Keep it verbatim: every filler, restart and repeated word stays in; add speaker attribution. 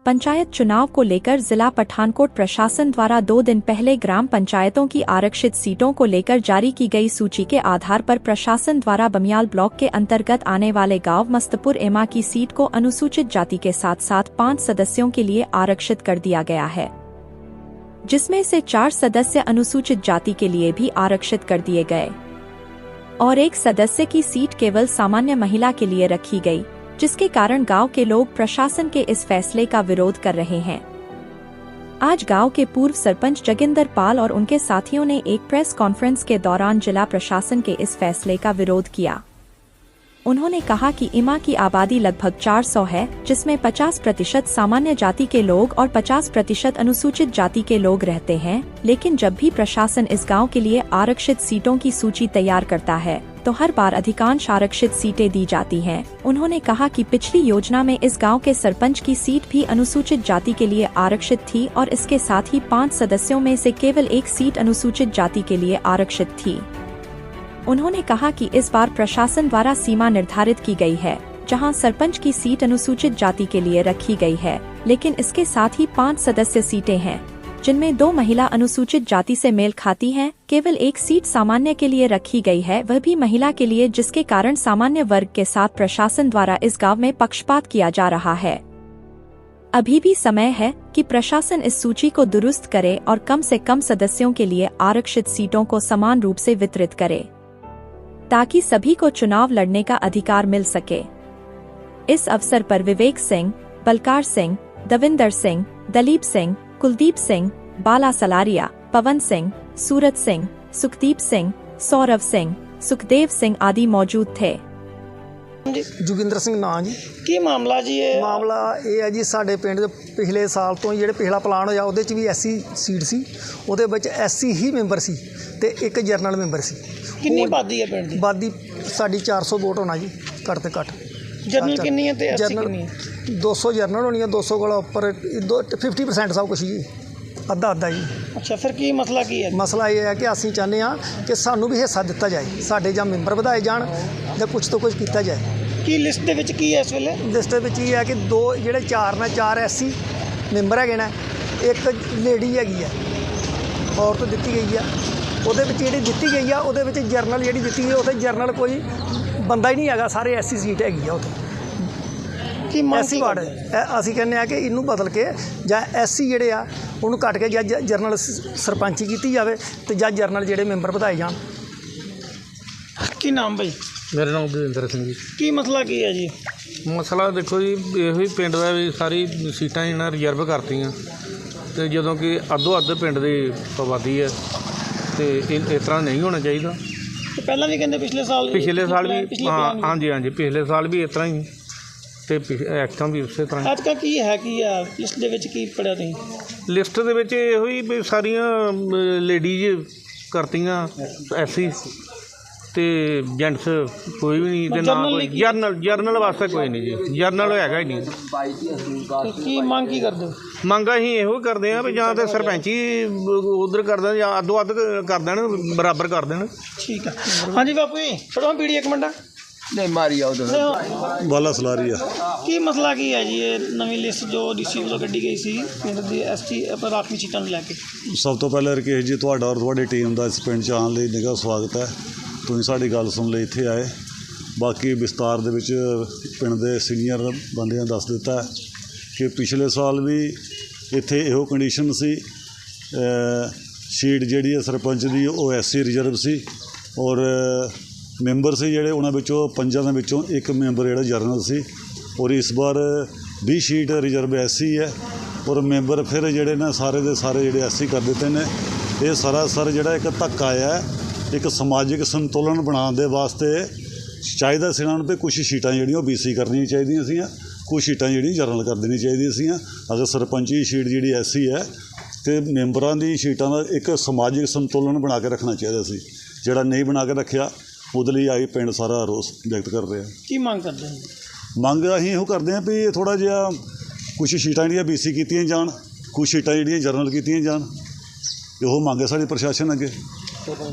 Speaker 1: पंचायत चुनाव को लेकर जिला पठानकोट प्रशासन द्वारा दो दिन पहले ग्राम पंचायतों की आरक्षित सीटों को लेकर जारी की गई सूची के आधार पर प्रशासन द्वारा बमियाल ब्लॉक के अंतर्गत आने वाले गांव मस्तपुर एमा की सीट को अनुसूचित जाति के साथ साथ पाँच सदस्यों के लिए आरक्षित कर दिया गया है, जिसमें से चार सदस्य अनुसूचित जाति के लिए भी आरक्षित कर दिए गए और एक सदस्य की सीट केवल सामान्य महिला के लिए रखी गई, जिसके कारण गांव के लोग प्रशासन के इस फैसले का विरोध कर रहे हैं। आज गांव के पूर्व सरपंच जोगिंदर पाल और उनके साथियों ने एक प्रेस कॉन्फ्रेंस के दौरान जिला प्रशासन के इस फैसले का विरोध किया। उन्होंने कहा कि इमा की आबादी लगभग चार सौ है, जिसमें पचास प्रतिशत सामान्य जाति के लोग और पचास प्रतिशत अनुसूचित जाति के लोग रहते हैं, लेकिन जब भी प्रशासन इस गांव के लिए आरक्षित सीटों की सूची तैयार करता है तो हर बार अधिकांश आरक्षित सीटें दी जाती हैं। उन्होंने कहा कि पिछली योजना में इस गांव के सरपंच की सीट भी अनुसूचित जाति के लिए आरक्षित थी और इसके साथ ही पाँच सदस्यों में से केवल एक सीट अनुसूचित जाति के लिए आरक्षित थी। उन्होंने कहा कि इस बार प्रशासन द्वारा सीमा निर्धारित की गई है, जहां सरपंच की सीट अनुसूचित जाति के लिए रखी गई है, लेकिन इसके साथ ही पाँच सदस्य सीटें हैं, जिनमें दो महिला अनुसूचित जाति से मेल खाती हैं। केवल एक सीट सामान्य के लिए रखी गई है, वह भी महिला के लिए, जिसके कारण सामान्य वर्ग के साथ प्रशासन द्वारा इस गाँव में पक्षपात किया जा रहा है। अभी भी समय है कि प्रशासन इस सूची को दुरुस्त करे और कम से कम सदस्यों के लिए आरक्षित सीटों को समान रूप से वितरित करे, ताकि सभी को चुनाव लड़ने का अधिकार मिल सके। इस अवसर पर विवेक सिंह, बलकार सिंह, दविंदर सिंह, दलीप सिंह, कुलदीप सिंह, बाला सलारिया, पवन सिंह, सूरज सिंह, सुखदीप सिंह, सौरभ सिंह, सुखदेव सिंह आदि मौजूद थे।
Speaker 2: जोगिंदर सिंह ना जी
Speaker 3: की मामला जी है?
Speaker 2: मामला ये है जी, साडे पिंड पिछले साल तो जिहड़े पिछला प्लान होया उहदे च भी एससी सीट सी, उहदे विच एससी ही मैंबर सी ते एक जरनल मैंबर सी।
Speaker 3: कितनी आबादी है पिंड दी?
Speaker 2: आबादी साडी चार सौ वोट होना जी, घट ते घट।
Speaker 3: जरनल कितनी है ते एससी
Speaker 2: जरनल
Speaker 3: कितनी है?
Speaker 2: दो सौ जरनल होनी है, दो सौ कोला उपर फिफ्टी परसेंट सब कुछ जी, अद्धा अद्धा जी।
Speaker 3: अच्छा, फिर की मसला की है?
Speaker 2: मसला ये है कि असीं चाहते हैं कि सानू भी हिस्सा दिता जाए, साडे जां मैंबर वधाए जाण जां कुछ तो कुछ किया जाए।
Speaker 3: की लिस्ट दे विच की है इस वेले?
Speaker 2: लिस्ट दे विच ये है कि दो जिहड़े चार ने चार एससी मैंबर हैगे ने, एक लेडी हैगी है, औरत दित्ती गई है। ਉਹਦੇ ਵਿੱਚ ਜਿਹੜੀ ਦਿੱਤੀ ਗਈ ਆ ਉਹਦੇ ਵਿੱਚ ਜਰਨਲ ਜਿਹੜੀ ਦਿੱਤੀ ਗਈ ਉੱਥੇ ਜਰਨਲ ਕੋਈ ਬੰਦਾ ਹੀ ਨਹੀਂ ਹੈਗਾ, ਸਾਰੇ ਐਸਸੀ ਸੀਟ ਹੈਗੀ ਆ ਉੱਥੇ
Speaker 3: ਕੀ
Speaker 2: ਐਸਸੀ ਵਾਰਡ। ਅਸੀਂ ਕਹਿੰਦੇ ਆ ਕਿ ਇਹਨੂੰ ਬਦਲ ਕੇ ਜਾਂ ਐਸਸੀ ਜਿਹੜੇ ਆ ਉਹਨੂੰ ਕੱਟ ਕੇ ਜਾਂ ਜਰਨਲ ਸਰਪੰਚੀ ਕੀਤੀ ਜਾਵੇ ਤੇ ਜਾਂ ਜਰਨਲ ਜਿਹੜੇ ਮੈਂਬਰ ਵਧਾਏ ਜਾਣ।
Speaker 3: ਕੀ ਨਾਮ ਭਾਈ?
Speaker 4: मेरा नाम बलविंदर सिंह जी।
Speaker 3: की मसला की है जी?
Speaker 4: मसला देखो जी, ਇਹੋ ਹੀ ਪਿੰਡ ਦਾ ਵੀ ਸਾਰੀ ਸੀਟਾਂ ਇਹਨਾਂ ਰਿਜ਼ਰਵ ਕਰਤੀਆਂ ਤੇ ਜਦੋਂ ਕਿ ਅੱਧੋ ਅੱਧ ਪਿੰਡ ਦੀ ਆਬਾਦੀ ਹੈ ਤੇ ਇਸ ਤਰ੍ਹਾਂ ਨਹੀਂ ਹੋਣਾ ਚਾਹੀਦਾ।
Speaker 3: ਤੇ ਪਹਿਲਾਂ ਵੀ ਕਹਿੰਦੇ ਪਿਛਲੇ ਸਾਲ
Speaker 4: ਪਿਛਲੇ ਸਾਲ ਵੀ ਹਾਂ ਹਾਂਜੀ ਹਾਂਜੀ ਪਿਛਲੇ ਸਾਲ ਵੀ ਇਸ ਤਰ੍ਹਾਂ ਹੀ ਤੇ ਐਕਟਾਂ ਵੀ ਉਸੇ ਤਰ੍ਹਾਂ।
Speaker 3: ਅੱਜ ਕਾ ਕੀ ਹੈ ਕੀ ਆ ਲਿਸਟ ਦੇ ਵਿੱਚ ਕੀ ਪੜਿਆ ਤੁਸੀਂ?
Speaker 4: ਲਿਸਟ ਦੇ ਵਿੱਚ ਇਹੋ ਹੀ ਵੀ ਸਾਰੀਆਂ ਲੇਡੀਜ਼ ਕਰਤੀਆਂ ਐਸੀ ਤੇ ਜੈਂਟਸ ਕੋਈ ਵੀ ਨਹੀਂ ਤੇ ਨਾ ਕੋਈ ਜਰਨਲ ਜਰਨਲ ਵਾਸਤੇ ਕੋਈ ਨਹੀਂ ਜੀ, ਜਰਨਲ ਹੈਗਾ ਹੀ ਨਹੀਂ।
Speaker 3: ਕੀ ਮੰਗ ਕੀ ਕਰਦੇ ਹੋ?
Speaker 4: ਮੰਗ ਅਸੀਂ ਇਹੋ ਕਰਦੇ ਹਾਂ ਵੀ ਜਾਂ ਤਾਂ ਸਰਪੰਚੀ ਉਧਰ ਕਰ ਦੇਣ ਜਾਂ ਅੱਧੋ ਅੱਧ ਕਰ ਦੇਣ, ਬਰਾਬਰ ਕਰ ਦੇਣ।
Speaker 3: ਠੀਕ ਹੈ। ਹਾਂਜੀ ਬਾਪੂ ਜੀ, ਫੜੋ ਬੀੜੀ ਇੱਕ ਮਿੰਟ।
Speaker 5: नहीं मारी आओ
Speaker 6: बाला सलारिया।
Speaker 3: की मसला की है जी ये नवी लिस्ट जो डीसी वालों कड्डी गई सी पिंड दी एसटी पर राखवी सीटां ਨੂੰ ਲੈ ਕੇ?
Speaker 6: ਸਭ ਤੋਂ ਪਹਿਲਾਂ ਰਕੇਸ਼ ਜੀ ਤੁਹਾਡਾ ਔਰ ਤੁਹਾਡੀ ਟੀਮ ਦਾ ਇਸ ਪਿੰਡ 'ਚ ਆਉਣ ਲਈ ਨਿੱਘਾ ਸਵਾਗਤ ਹੈ। ਤੁਸੀਂ ਸਾਡੀ ਗੱਲ ਸੁਣ ਲਈ ਇੱਥੇ ਆਏ। ਬਾਕੀ ਵਿਸਤਾਰ ਦੇ ਵਿੱਚ ਪਿੰਡ ਦੇ ਸੀਨੀਅਰ ਬੰਦਿਆਂ ਦੱਸ ਦਿੱਤਾ ਕਿ ਪਿਛਲੇ ਸਾਲ ਵੀ ਇੱਥੇ ਇਹੋ ਕੰਡੀਸ਼ਨ ਸੀ। ਸੀਟ ਜਿਹੜੀ ਹੈ ਸਰਪੰਚ ਦੀ ਉਹ ਐਸਸੀ ਰਿਜ਼ਰਵ ਸੀ ਔਰ ਮੈਂਬਰ ਸੀ ਜਿਹੜੇ ਉਹਨਾਂ ਵਿੱਚੋਂ ਪੰਜਾਂ ਦੇ ਵਿੱਚੋਂ ਇੱਕ ਮੈਂਬਰ ਜਿਹੜਾ ਜਰਨਲ ਸੀ ਔਰ ਇਸ ਵਾਰ ਵੀਹ ਸੀਟ ਰਿਜ਼ਰਵ ਐਸਸੀ ਹੈ ਔਰ ਮੈਂਬਰ ਫਿਰ ਜਿਹੜੇ ਨੇ ਸਾਰੇ ਦੇ ਸਾਰੇ ਜਿਹੜੇ ਐਸਸੀ ਕਰ ਦਿੱਤੇ ਨੇ। ਇਹ ਸਰਾਸਰ ਜਿਹੜਾ ਇੱਕ ਧੱਕਾ ਹੈ, ਇੱਕ ਸਮਾਜਿਕ ਸੰਤੁਲਨ ਬਣਾਉਣ ਦੇ ਵਾਸਤੇ ਚਾਹੀਦਾ ਸੀ ਇਹਨਾਂ ਨੂੰ ਵੀ ਕੁਛ ਸੀਟਾਂ ਜਿਹੜੀਆਂ ਉਹ ਬੀਸੀ ਕਰਨੀਆਂ ਚਾਹੀਦੀਆਂ ਸੀ, ਕੁਛ ਸੀਟਾਂ ਜਿਹੜੀਆਂ ਜਰਨਲ ਕਰ ਦੇਣੀਆਂ ਚਾਹੀਦੀਆਂ ਸੀ। ਅਗਰ ਸਰਪੰਚੀ ਸੀਟ ਜਿਹੜੀ ਐਸਸੀ ਹੈ ਅਤੇ ਮੈਂਬਰਾਂ ਦੀ ਸੀਟਾਂ ਦਾ ਇੱਕ ਸਮਾਜਿਕ ਸੰਤੁਲਨ ਬਣਾ ਕੇ ਰੱਖਣਾ ਚਾਹੀਦਾ ਸੀ, ਜਿਹੜਾ ਨਹੀਂ ਬਣਾ ਕੇ ਰੱਖਿਆ। ਉਹਦੇ ਲਈ ਆਈ ਪਿੰਡ ਸਾਰਾ ਰੋਸ ਵਿਅਕਤ ਕਰ ਰਿਹਾ।
Speaker 3: ਕੀ ਮੰਗ ਕਰਦੇ ਹੋ?
Speaker 6: ਮੰਗ ਅਸੀਂ ਇਹੋ ਕਰਦੇ ਹਾਂ ਵੀ ਥੋੜ੍ਹਾ ਜਿਹਾ ਕੁਛ ਸੀਟਾਂ ਜਿਹੜੀਆਂ ਬੀ ਸੀ ਕੀਤੀਆਂ ਜਾਣ, ਕੁਛ ਸੀਟਾਂ ਜਿਹੜੀਆਂ ਜਰਨਲ ਕੀਤੀਆਂ ਜਾਣ। ਇਹੋ ਮੰਗ ਹੈ ਸਾਡੀ ਪ੍ਰਸ਼ਾਸਨ ਅੱਗੇ।